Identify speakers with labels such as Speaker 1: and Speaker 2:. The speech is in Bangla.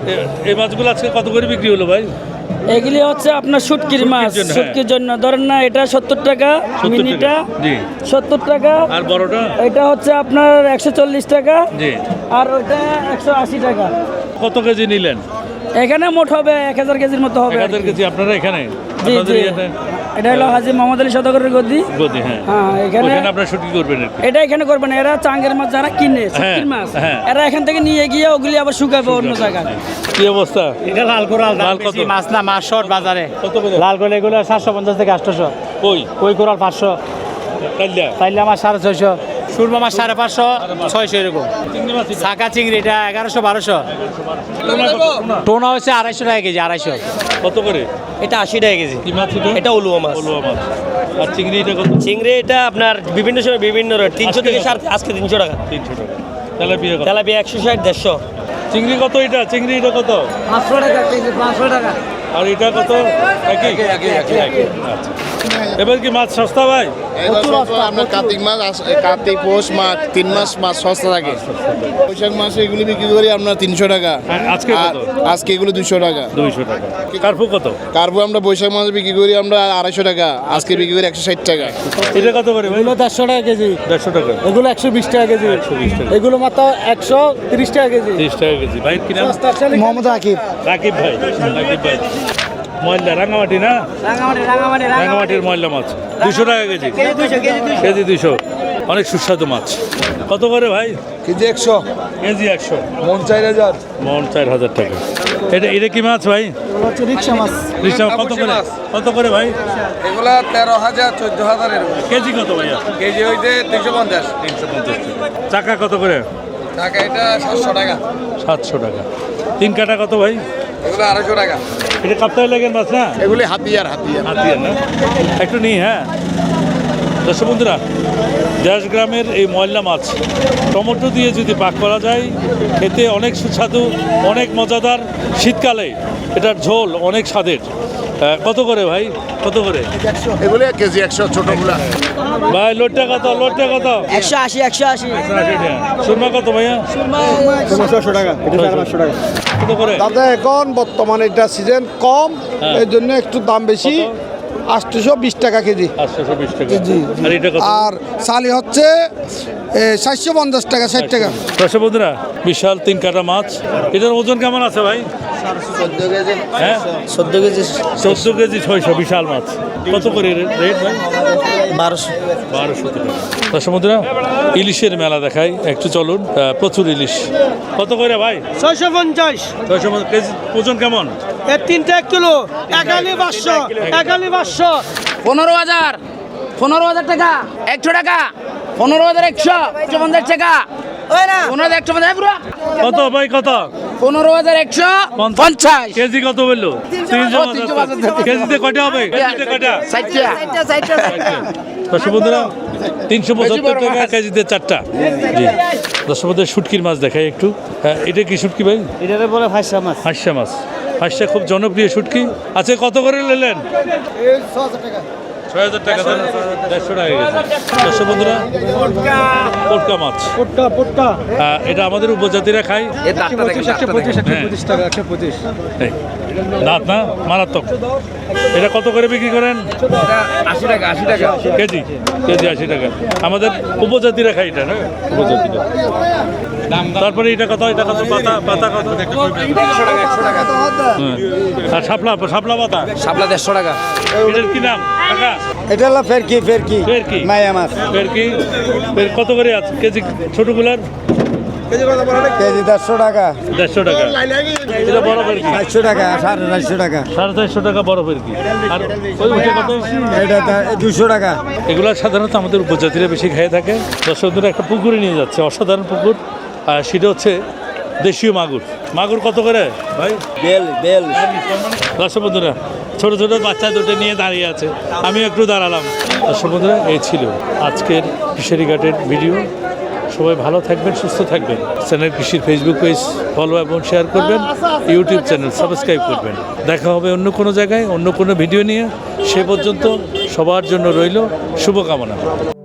Speaker 1: এই মাছগুলো আজকে কত করে বিক্রি হলো ভাই?
Speaker 2: এগুলি হচ্ছে আপনার শুটকির মাছ,
Speaker 1: জন্য, হ্যাঁ।
Speaker 2: শুটকির জন্য ধরেন না, এটা 70 টাকা,
Speaker 1: 70
Speaker 2: মিনিটা
Speaker 1: টাকা, জি।
Speaker 2: 70 টাকা,
Speaker 1: আর বড়টা?
Speaker 2: এটা হচ্ছে আপনার 140 টাকা,
Speaker 1: জি।
Speaker 2: আর ওইটা 180 টাকা।
Speaker 1: কত কেজি নিলেন?
Speaker 2: এখানে মোট হবে 1000 কেজির মতো হবে।
Speaker 1: 1000 কেজি আপনারা এখানে?
Speaker 2: জি
Speaker 1: আপনাদের
Speaker 2: জি,
Speaker 1: ইয়েতে?
Speaker 2: এটা হলো হাজী মোহাম্মদ আলী সওদাগরের গদি।
Speaker 1: গদি, হ্যাঁ।
Speaker 2: হ্যাঁ, এখানে
Speaker 1: ওখানে আপনারা শুটকি করবেন আর কি?
Speaker 2: এটা এখানে করবেন, এরা চাঙ্গের মাছ যারা কিনে, শুটকির মাছ,
Speaker 1: হ্যাঁ।
Speaker 2: এরা এখান থেকে নিয়ে গিয়ে ওগুলি আবার শুকাবে অন্য জায়গায়।
Speaker 1: কি অবস্থা?
Speaker 3: এটা লাল কোরাল,
Speaker 1: লাল
Speaker 3: লাল
Speaker 1: কত?
Speaker 3: কত মাছ না, মাছ শর্ট বাজারে
Speaker 1: কত করে?
Speaker 3: লাল কোরাল এগুলো 750 থেকে 800,
Speaker 1: কই
Speaker 3: কই কোরাল 500,
Speaker 1: কাল্লা
Speaker 3: তাইলে মাছ 650, সুরমা মাছ 550, 600 এরকম।
Speaker 1: চিংড়ি মাছ এটা?
Speaker 3: শাঁখা চিংড়ি এটা 1100, 1200,
Speaker 1: টোনা কত? টোনা?
Speaker 3: টোনা হচ্ছে 250 টাকা কেজি, 250।
Speaker 1: কত করে?
Speaker 4: এটা 80 টাকা কেজি।
Speaker 1: কি মাছ এটা?
Speaker 4: এটা উলুয়া মাছ।
Speaker 1: অলুয়া মাছ। আর চিংড়ি এটা কত?
Speaker 4: চিংড়ি এটা আপনার বিভিন্ন সময় বিভিন্ন রেট, 300 থেকে আজকে 300 টাকা।
Speaker 1: 300 টাকা। তেলাপিয়া কত?
Speaker 4: তেলাপিয়া 160, 150।
Speaker 1: চিংড়ি কত এটা? চিংড়ি এটা কত?
Speaker 2: 500 টাকা কেজি, 500 টাকা।
Speaker 1: আর এটা কত? একই? একই। আচ্ছা। এবার কি মাছ সস্তা ভাই?
Speaker 5: এবার সস্তা, আপনার কার্তিক মাছ কার্তিক পৌষ মাছ 3 মাস মাছ সস্তা থাকে। বৈশাখ মাসে এগুলি বিক্রি করি আপনার 300 টাকা।
Speaker 1: হ্যাঁ, আজকে
Speaker 5: আর
Speaker 1: কত?
Speaker 5: আজকে এগুলো 200 টাকা।
Speaker 1: 200 টাকা। কার্পু কত?
Speaker 5: কার্পু আমরা বৈশাখ মাসে বিক্রি করি আমরা 250 টাকা, আজকে বিক্রি করি 160 টাকা।
Speaker 1: এটা কত করে ভাই?
Speaker 3: এগুলো 150 টাকা কেজি,
Speaker 1: 150 টাকা।
Speaker 3: এগুলো 120 টাকা কেজি,
Speaker 1: 120 টাকা।
Speaker 3: এগুলো মাত্র 130 টাকা কেজি।
Speaker 1: 30 টাকা কেজি। ভাই কি নাম?
Speaker 3: মোহাম্মদ আকিব।
Speaker 1: রাকিব ভাই। রাকিব ভাই। ময়লা রাঙামাটি না? রাঙামাটির ময়লা মাছ 200 টাকা কেজি। কেজি 200। অনেক সুস্বাদু মাছ। কত করে ভাই?
Speaker 5: KG 100,
Speaker 1: KG 100।
Speaker 5: মন 4000।
Speaker 1: মন 4000 টাকা। এটা কি মাছ ভাই?
Speaker 3: হচ্ছে রিকশা মাছ।
Speaker 1: রিকশা কত করে? কত করে ভাই?
Speaker 5: এগুলা 13,000, 14,000 এরকম।
Speaker 1: কেজি কত ভাইয়া?
Speaker 5: কেজি হইতে 250।
Speaker 1: 350 টাকা। চাকা কত করে?
Speaker 5: টাকা এটা 700 টাকা।
Speaker 1: 700 টাকা। 3 কাটা কত ভাই?
Speaker 5: এগুলো 250 টাকা।
Speaker 1: এটা কাপ্তাই লাগেন মাছ না?
Speaker 5: এগুলি হাতিয়ার।
Speaker 1: হাতিয়ার না? একটু নিই, হ্যাঁ। দর্শক বন্ধুরা, দেশগ্রামের এই ময়লা মাছ টমেটো দিয়ে যদি পাক করা যায়, এতে অনেক সুস্বাদু, অনেক মজাদার। শীতকালে এটার ঝোল অনেক স্বাদের। কত করে ভাই? কত করে?
Speaker 5: এগুলি কেজি 100 ছোটগুলা।
Speaker 1: ভাই লোটটা কত? লোটটা কত?
Speaker 2: 180, 180।
Speaker 1: সুরমা কত ভাইয়া?
Speaker 3: 600 টাকা, এটা 500 টাকা।
Speaker 1: কত করে?
Speaker 6: দাদা এখন বর্তমানে এটা সিজন কম,
Speaker 1: হ্যাঁ।
Speaker 6: এই জন্য একটু দাম বেশি।
Speaker 1: কত?
Speaker 6: 820 টাকা কেজি।
Speaker 1: 820 টাকা।
Speaker 6: জি।
Speaker 1: আর এটা কত?
Speaker 6: আর চালি হচ্ছে 750 টাকা, 60 টাকা।
Speaker 1: দর্শক বন্ধুরা, বিশাল 3 কাটা মাছ। এটার ওজন কেমন আছে ভাই?
Speaker 5: 14 কেজি।
Speaker 1: হ্যাঁ,
Speaker 5: 14 কেজি।
Speaker 1: 14 কেজি 600। বিশাল মাছ। কত করে রেট ভাই?
Speaker 5: 1200।
Speaker 1: 1200 টাকা। দর্শক বন্ধুরা, ইলিশের মেলা দেখাই, একটু চলুন। প্রচুর ইলিশ। কত করে ভাই?
Speaker 3: 650,
Speaker 1: 600 কেজি। ওজন কেমন?
Speaker 3: এর 3টা 1 কিলো, 1,500, 1,500।
Speaker 2: 15,000, 15,000 টাকা, 100 টাকা, 15,100, 150 টাকা, 15,150 পুরো,
Speaker 1: কত ভাই? কত?
Speaker 2: 15,150।
Speaker 1: কেজি কত বললো? 350। কেজিতে কয়টা হবে? কেজিতে কয়টা?
Speaker 2: 60
Speaker 1: দর্শক বন্ধুরা, 375 টাকা কেজিতে 4টা। জি। দর্শক বন্ধুরা, শুটকির মাছ দেখাই একটু। হ্যাঁ, এটা কি শুটকি ভাই?
Speaker 3: এটারে বলে ফাঁসা মাছ।
Speaker 1: হাঁসা মাছ। হাঁসা খুব জনপ্রিয় শুটকি। আচ্ছা, কত করে নিলেন? 6,000 টাকা। 150 টাকা গেছে। দর্শক বন্ধুরা, পোটকা মাছ।
Speaker 3: পোটকা
Speaker 1: এটা আমাদের উপজাতিরা খায়।
Speaker 3: 125 টাকা, 125।
Speaker 1: এই, দাঁত না মারাত্মক। এটা কত করে বিক্রি করেন?
Speaker 5: 80 টাকা, 80 টাকা।
Speaker 1: কেজি। কেজি 80 টাকা। আমাদের উপজাতিরা খায় এটা, না? উপজাতিরা। তারপরে এটা কত? এটা কত? পাতা কত?
Speaker 5: 100 টাকা, 100 টাকা।
Speaker 1: হ্যাঁ। আর শাপলা পাতা?
Speaker 5: শাপলা 150 টাকা।
Speaker 1: এটার কি নাম কাকা?
Speaker 3: এটা হলো ফেরকি
Speaker 1: ফেরকি।
Speaker 3: মায়া মাছ।
Speaker 1: ফেরকি। কত করে আছে কেজি ছোটগুলার?
Speaker 3: কেজি 150 টাকা,
Speaker 1: 150 টাকা। এটা বড় ফেরকি
Speaker 3: 400 টাকা, 450 টাকা।
Speaker 1: 450 টাকা বড় ফেরকি। আর ওই উঠে কত?
Speaker 3: এটা 200 টাকা।
Speaker 1: এগুলো সাধারণত আমাদের উপজাতিরা বেশি খেয়ে থাকে। দর্শকদের একটা পুকুরে নিয়ে যাচ্ছে, অসাধারণ পুকুর। আর সেটা হচ্ছে দেশীয় মাগুর। মাগুর কত করে ভাই?
Speaker 3: বেল।
Speaker 1: দর্শক বন্ধুরা, ছোটো ছোটো বাচ্চা দুটো নিয়ে দাঁড়িয়ে আছে, আমি একটু দাঁড়ালাম। দর্শক বন্ধুরা, এই ছিল আজকের ফিশারি ঘাটের ভিডিও। সবাই ভালো থাকবেন, সুস্থ থাকবেন। চ্যানেল কৃষির ফেসবুক পেজ ফলো এবং শেয়ার করবেন, ইউটিউব চ্যানেল সাবস্ক্রাইব করবেন। দেখা হবে অন্য কোনো জায়গায়, অন্য কোনো ভিডিও নিয়ে। সে পর্যন্ত সবার জন্য রইল শুভকামনা।